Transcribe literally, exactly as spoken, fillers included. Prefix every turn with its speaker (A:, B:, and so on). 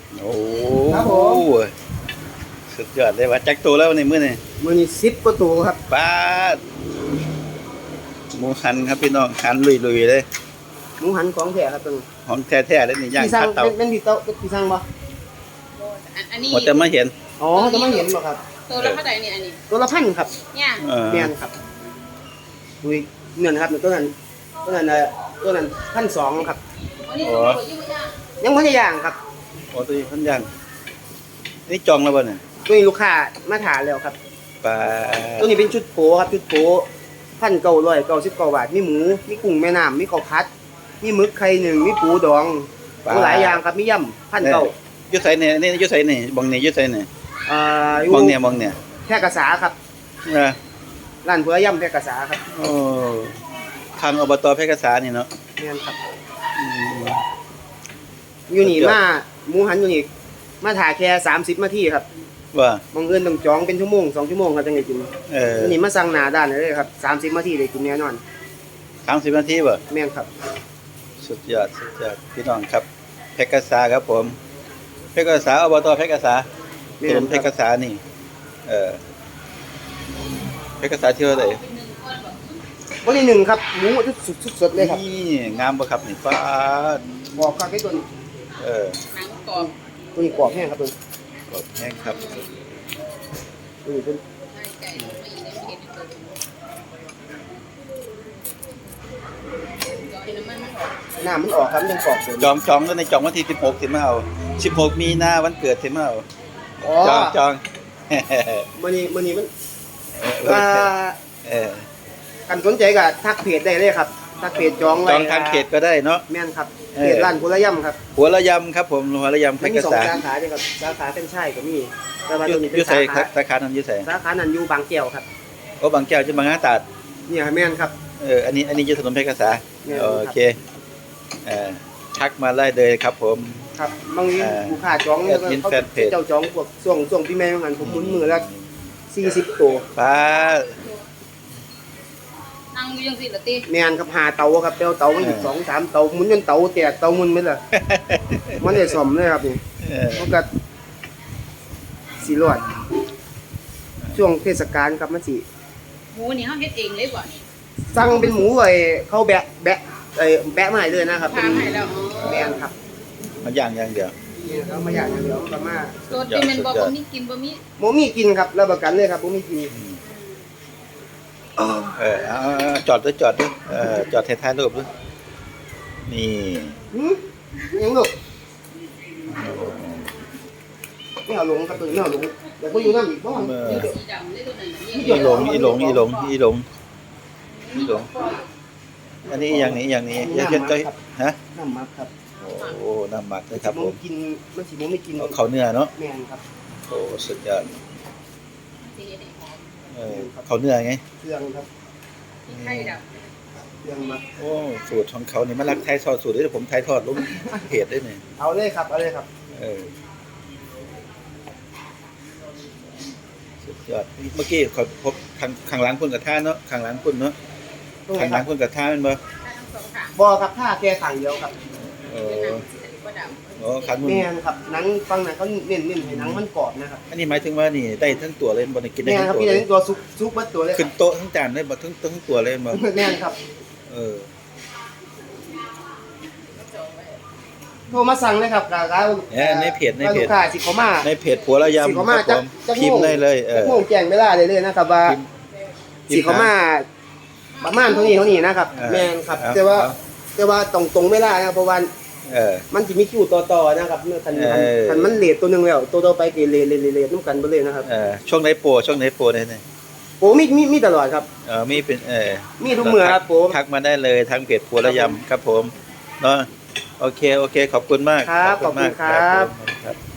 A: โอ้
B: ครับผม
A: สุดยอดเลยว่าจักตัวแล้วในมื้อนี่
B: มื้อนี้สิบกว่าตัวครับ
A: ปาดหมูหันครับพี่น้องหันลุยๆเลย
B: หมูหันของแท้ครับตรงนี้
A: ของแท้ๆเลยนี่ย่าง
B: พี่สั่ง
A: คาเตา
B: เป็นเป็นที่โต๊ะที่สั่งบ่
C: อันอันนี้
A: พอจะมาเห็น
B: อ๋อจะมาเห็นบ่ครับ
C: ตัวละเท่าไหร่นี่อันนี้
B: ตัวละพันครับ
C: เนี่ย
A: เออ
B: แม่นครับดูอีกเงินครับตัวนั้นตัวนั้นเอ่อตัวนั้นพันสองครับ
C: อันนี้ตัวยี่ห้อ
B: ยังไม่ได้ย่างครับ
A: โอ้ตัวนี้พันย่างนี่จองแล้วบ่เนี่ย
B: ตัวนี้ลูกค้ามาถามแล้วครับ
A: ปลา
B: ตัวนี้เป็นชุดโผครับชุดโผพันเก้าร้อยเก้าสิบเก้าบาทมีหมูมีกุ้งแม่น้ำมีข้าวผัดมีหมึกไข่หนึ่งมีปูดองมีหลายอย่างครับมียำพันเก้า
A: อยู่ไสเนี่ยนี่อยู่ไสนี่บองนี่อยู่ไสนี่
B: อ่าอยู่
A: บองเนี่ยบองเนี่ย
B: แพร่กษาครับ
A: เออ
B: ร้านเพื่อย่ำแพร่กษาครับ
A: โอ้ทางอบตแพร่กษานี่เนาะ
B: แม่นครับ
A: อืม
B: อยู่นี่
A: สุดยอด
B: มาหมูหันอยู่นี่มาถ่ายแค่สามสิบนาทีครับ
A: ว่า
B: บางเอิญต้องจองเป็นชั่วโมงสองชั่วโมงครับจังได้กิน
A: เออ
B: อยู่นี่มาสั่งหนาด้านเลยครับสามสิบนาทีได้กินแน่นอน
A: สามสิบนาทีบ่
B: แม่นครับ
A: สุดยอดสุดยอดพี่น้องครับแพร่กษาครับผมแพร่กษาอบตแพร่กษา
B: แม่
A: ถน
B: น
A: นแพ
B: ค
A: ร่
B: รับ
A: กษานี่เออแพร่กษาที่ว่าได
B: วันที่หนึ่งครับหมูสุดสดๆเลยครับ
A: นี่งามบ่ครับนี่ฟ้าด
B: บอกครับไอ้ตัวนี้
A: เออ
C: หนังกรอบ
B: ตัวนี้กรอบแห้งครับตัวนี้
A: กดแห้งครับ
B: ตัวนี้เป็น
C: ไก่ไม่ได้เห็นตัวเดี๋ยวน้ำมันมันออก
B: น้ำมันออกครับมันยังกรอบอยู่
A: จองจองแล้วในจองวันที่สิบหกสิมาเอาสิบหกมีนาวันเกิดสิมาเอา
B: อ๋อ
A: จองจอง
B: มื้อนี้มื้อนี้มัน
A: เออ
B: อ่า
A: เออ
B: กันสนใจก็ทักเพจได้เลยครับทักเพจจองไว้
A: จองทางเขตก็ได้เนาะ
B: แม่นครับ
A: เออ
B: เพจร้านกุลย่ำครับ
A: หัวละยำครับผมหัวละยำแพ
B: มั
A: ร่
B: น
A: ก
B: มีสอง
A: ษา
B: สาขาด้วยครับสาขาเป็นชายก็มีแต่ว่า
A: อ
B: ตั
A: ยู่
B: วนี้เป็
A: อน ยู่
B: สา
A: ใส่
B: ขา
A: สาขานั้นอยู่ใส่
B: สาขานั้นอยู่บางแก้วครับ
A: โอ้บางแก้วจะบางนาตราด
B: เนี่ยแม่นครับ
A: เอออันนี้อันนี้อยู่ถนนแพร่กษา
B: แม่นครับ
A: โอเคเออทักมาได้เลยครับผม
B: ครับบางที
A: เออ
B: ลูกค้าจอง
A: แอดมิน
B: เขา
A: แฟนเพจ
B: เจ้าจองพวกช่วงช่วงพี่แม่งานผมหมุนมือละสี่สิบตัว
A: ป้า
C: นั่งอยู่ยังสิละตี
B: แม่นครับหาเตาครับเตาเตามันอีกสองสามเตาหมุนจนเตาแตกเตาหมุนไปเลยมันได้ซ่อมเลยครับนี่
A: เออ
B: มันก็สีรอดช่วงเทศกาลครับมันสิ
C: หมูนี่เขาเฮ็ดเองเลยกว่านี่
B: สั่งเป็นหมูไอ้เขาแบะแบะไอ้แบะมาให้เลยนะครับ
C: ทางให้แล้ว
B: แม่นครับ
A: มันย่างอย่างเดียว
B: นี่เขามาอย่างเดียวก็มา
C: ตัวที่มันบ่บ่มีกินบ่มี
B: หมูมีกินครับรับประกันเลยครับหมูมีกิน
A: เออเอาเอาเอาจอดด้วยจอดด้วยเออจอดท้ายๆรูปด้วยนี่
B: หืมยังลูกไม่เอาลงครับตัวนี้ไม่เอาลงเดี๋ยวก็อยู่น้ำอีกบ้าง
A: เออ
C: สีดำเลยตัวนั้น
A: อีหลงอีหลงอีหลงอีหลงอีหลงอันนี้อย่างนี้อย่างนี้อย่าเช่นใจฮะ
B: น้ำมักครับ
A: โอ้น้ำหมักเลยครับ
B: ห
A: ผ
B: มู
A: ม
B: กินมันสิหมูไม่กิน
A: เอาเขาเนื้อเนาะ
B: แม่นครับ
A: โอ้สุดยอด
C: สีแดงหอม
A: เออเขาเนื้อไง
B: เครื่องครับ
C: ไข่ด
B: เครื่องมัก
A: โอ้สูตรของเขานี่มันรักไทยทอดสูตรด้วยผมไทยทอดลงเพจได้เนี่ย
B: เอาเลยครับเอาเลยครับ
A: เออสุดยอดเมื่อกี้ขอพบข้างข้างหลังคุณกับท่าเนาะข้างหลังคุณเนาะ
B: ตรงไหน
A: ข้างห
B: ค
A: ลั
B: รั
A: ง
B: บ
A: คุณกับท่ามันบ่
C: ำทั้งสองข้าง
B: บอครับถ้าแค่ขังเดียวครับ
A: โอ้
C: เป็นหนังสีก็ดำ
A: โอ้ขันมัน
B: แม่นครับหนังฟังหนังเขาเน้นเน้นให้หนังมันกรอบนะครับ
A: อันนี้หมายถึงว่านี่ได้ทั้งตัวเลยบ่ได้กินได้
B: แม่น
A: ทั้
B: ครับ
A: งตัว
B: พี่
A: เล
B: เน้
A: ย
B: นตัวซุกซุกมัดตัวเลยค
A: ขึ้
B: รั
A: น
B: บ
A: โต๊ะทั้งจานได้บ่ทั้งทั้งตัวเลยบ่
B: แม่นครับ
A: เออ
B: โทรมาสั่งเลยครับกาการ
A: เนี่ยในเพจในเพจ
B: ลูกค้าสิเขามา
A: ในเพจผัวระ
B: สิ
A: ยำ
B: เขา
A: ค
B: มา
A: รับผ
B: จัก
A: ม
B: จัก
A: พิมพ์ได้เลยเอ
B: จัก
A: อ
B: โมงแจ้งเวลาเลยเลยนะครับว่า
A: พิมพ์
B: สิเขามาประมาณเท่านี้เท่านี้นะครับ
A: เออ
B: แม่นครับ
A: เอา
B: แต่ว่า
A: เอา
B: แต่ว่าตรงตรงเวลานะครับเพราะว่า
A: เออ
B: มันจะมีคิวต่อๆนะครับเมื่อคัน
A: เออ
B: คันมันเลทตัวหนึงแล้วตัวต่อไปก็เลทเลทเลทเลทน้ำกันไปเลยนะครับ
A: เออช่วงไหนโปรช่วงไหนโปรได้เนี่ย
B: โอ้มีมีมีตลอดครับ
A: เออมีเป็นเออ
B: มีทุกเมื่อครับผม
A: ทักมาได้เลยทางเพจผัวระยำครับผมเนาะโอเคโอเคขอบคุณมาก
B: ครับขอบคุณ
A: มาก
B: ครับ
A: ผมครับ